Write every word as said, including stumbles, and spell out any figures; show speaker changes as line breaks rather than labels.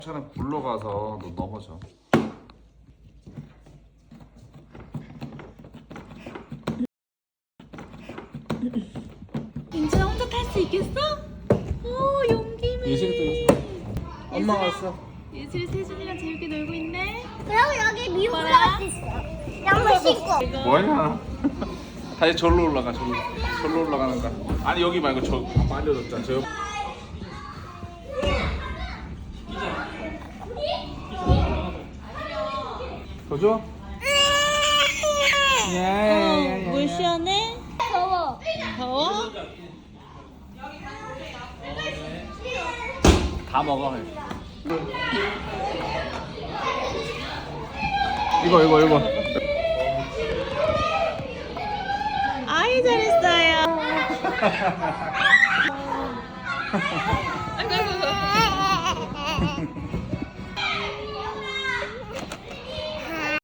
차는 굴러가서 너 넘어져.
민준아 혼자 탈 수 있겠어? 오 용기네.
예슬이도 예슬. 엄마 왔어.
예슬이 세준이랑 재밌게 놀고 있네.
그리고 여기 미국
뭐라?
가수 있어. 양말 신고.
뭐냐? 다시 절로 올라가. 절로. 절로 올라가는 거야. 아니 여기 말고 저 아빠 알려줬잖아. 저 옆. 더 줘?
어, 물 시원해?
더워.
더워?
다 먹어. 이거 이거 이거.
아이 잘했어요. 아이고 아이고 아이고.